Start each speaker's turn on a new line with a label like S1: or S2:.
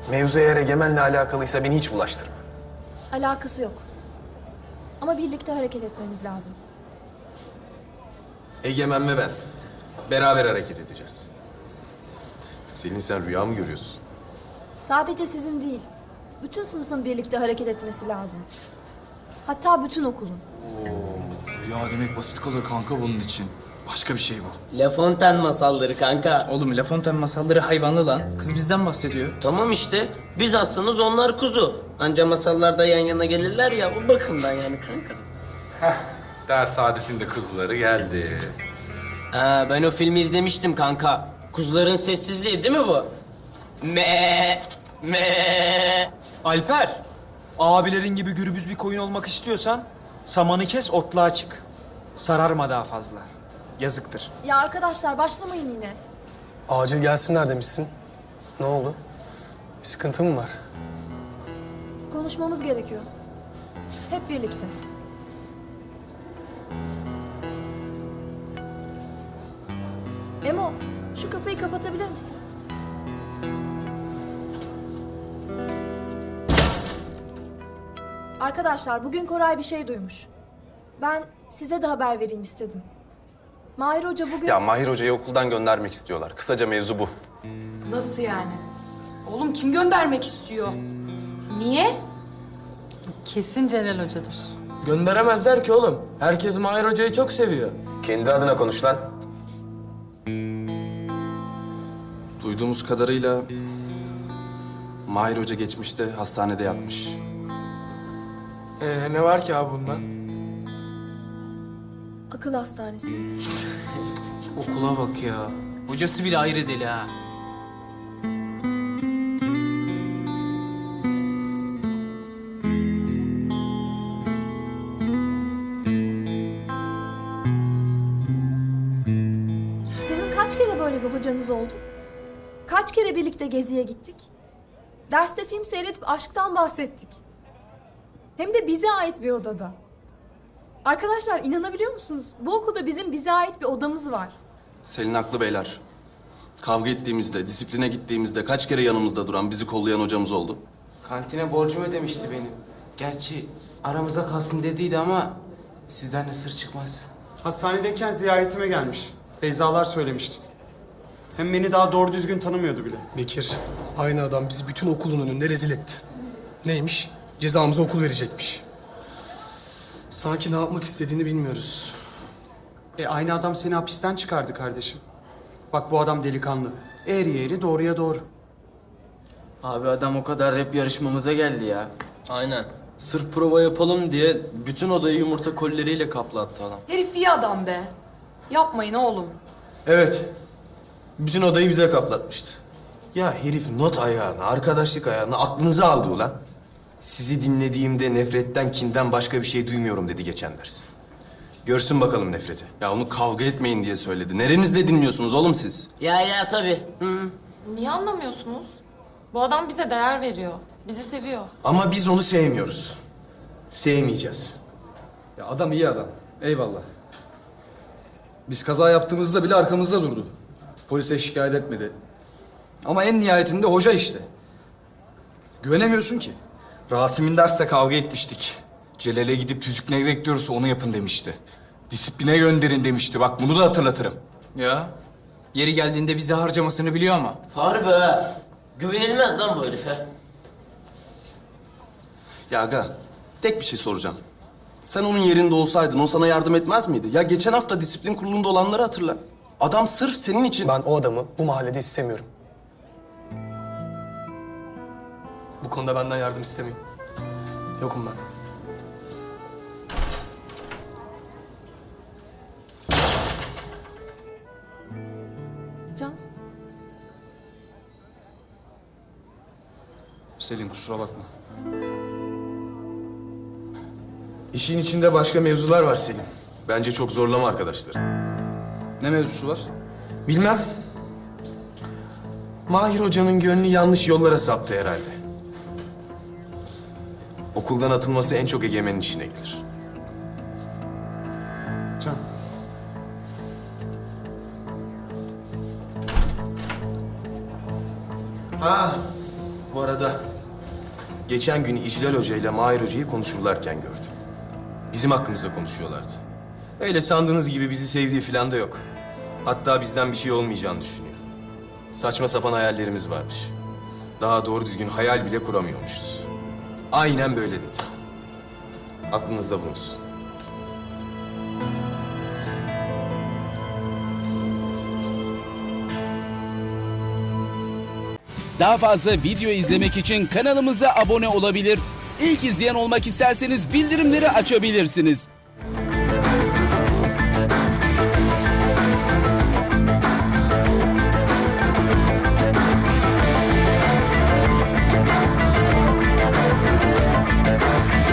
S1: Mevzu eğer Egemen'le alakalıysa beni hiç bulaştırma.
S2: Alakası yok. Ama birlikte hareket etmemiz lazım.
S3: Egemen ve ben. Beraber hareket edeceğiz. Selin, sen rüya mı görüyorsun?
S2: Sadece sizin değil, bütün sınıfın birlikte hareket etmesi lazım. Hatta bütün okulun.
S4: Ya demek basit kalır kanka bunun için. Başka bir şey bu.
S5: La Fontaine masalları kanka.
S6: Oğlum La Fontaine masalları hayvanlı lan. Kız bizden bahsediyor.
S5: Tamam işte. Biz aslanız, onlar kuzu. Anca masallarda yan yana gelirler ya, o bakımdan yani kanka.
S3: Ders saadetinde kızları geldi.
S5: Ben o filmi izlemiştim kanka. Kuzuların sessizliği değil mi bu? Me.
S4: Alper, abilerin gibi gürbüz bir koyun olmak istiyorsan samanı kes, otluğa çık. Sararma daha fazla. Yazıktır.
S2: Ya arkadaşlar başlamayın yine.
S1: Acil gelsinler demişsin. Ne oldu? Bir sıkıntı mı var?
S2: Konuşmamız gerekiyor. Hep birlikte. Emo, şu kapıyı kapatabilir misin? Arkadaşlar, bugün Koray bir şey duymuş. Ben size de haber vereyim istedim. Mahir Hoca bugün...
S3: Ya Mahir Hoca'yı okuldan göndermek istiyorlar. Kısaca mevzu bu.
S7: Nasıl yani? Oğlum kim göndermek istiyor? Niye? Kesin Celal Hoca'dır.
S6: Gönderemezler ki oğlum. Herkes Mahir Hoca'yı çok seviyor.
S3: Kendi adına konuş lan. Duyduğumuz kadarıyla Mahir Hoca geçmişte hastanede yatmış.
S6: Ne var ki abi bunda?
S2: Akıl hastanesinde.
S6: Okula bak ya. Hocası bile ayrı deli ha.
S2: Sizin kaç kere böyle bir hocanız oldu? Kaç kere birlikte geziye gittik? Derste film seyredip aşktan bahsettik. Hem de bize ait bir odada. Arkadaşlar inanabiliyor musunuz? Bu okulda bizim bize ait bir odamız var.
S3: Selin haklı beyler. Kavga ettiğimizde, disipline gittiğimizde kaç kere yanımızda duran, bizi kollayan hocamız oldu.
S6: Kantine borcumu ödemişti benim. Gerçi aramızda kalsın dediydi ama sizden de sır çıkmaz.
S8: Hastanedeyken ziyaretime gelmiş. Beyzalar söylemişti. Hem beni daha doğru düzgün tanımıyordu bile.
S1: Bekir, aynı adam bizi bütün okulun önünde rezil etti. Neymiş? Cezamıza okul verecekmiş. Sanki ne yapmak istediğini bilmiyoruz.
S8: Aynı adam seni hapisten çıkardı kardeşim. Bak bu adam delikanlı. Eğri eğri doğruya doğru.
S6: Abi adam o kadar rap yarışmamıza geldi ya.
S5: Aynen. Sırf prova yapalım diye bütün odayı yumurta kolleriyle kaplattı adam.
S7: Herif iyi adam be. Yapmayın oğlum.
S3: Evet. Bütün odayı bize kaplatmıştı. Ya herif not ayağını, arkadaşlık ayağını aklınıza aldı ulan. Sizi dinlediğimde nefretten, kinden başka bir şey duymuyorum dedi geçen ders. Görsün bakalım nefreti. Ya onu kavga etmeyin diye söyledi. Nerenizde dinliyorsunuz oğlum siz?
S5: Ya tabii.
S9: Niye anlamıyorsunuz? Bu adam bize değer veriyor. Bizi seviyor.
S3: Ama biz onu sevmiyoruz. Sevmeyeceğiz.
S10: Ya adam iyi adam. Eyvallah. Biz kaza yaptığımızda bile arkamızda durdu. Polise şikayet etmedi. Ama en nihayetinde hoca işte. Güvenemiyorsun ki.
S4: Rasim'in derste kavga etmiştik. Celal'e gidip tüzük ne bekliyorsa onu yapın demişti. Disipline gönderin demişti. Bak bunu da hatırlatırım.
S6: Ya yeri geldiğinde bizi harcamasını biliyor ama.
S5: Harbi ha. Güvenilmez lan bu herife.
S3: Ya aga, tek bir şey soracağım. Sen onun yerinde olsaydın o sana yardım etmez miydi? Ya geçen hafta disiplin kurulunda olanları hatırla. Adam sırf senin için...
S1: Ben o adamı bu mahallede istemiyorum. Bu konuda benden yardım istemeyin. Yokum ben.
S2: Can,
S10: Selin kusura bakma.
S3: İşin içinde başka mevzular var Selim. Bence çok zorlama arkadaşlar.
S10: Ne mevzusu var?
S3: Bilmem. Mahir Hoca'nın gönlü yanlış yollara saptı herhalde. Okuldan atılması en çok Egemen'in işine gelir.
S8: Can.
S3: Ha, Bu arada geçen gün İclal Hoca ile Mahir Hoca'yı konuşurlarken gördüm. Bizim hakkımızda konuşuyorlardı. Öyle sandığınız gibi bizi sevdiği falan da yok. Hatta bizden bir şey olmayacağını düşünüyor. Saçma sapan hayallerimiz varmış. Daha doğru düzgün hayal bile kuramıyormuşuz. Aynen böyle dedi. Aklınızda bulunsun.
S11: Daha fazla video izlemek için kanalımıza abone olabilir. İlk izleyen olmak isterseniz bildirimleri açabilirsiniz.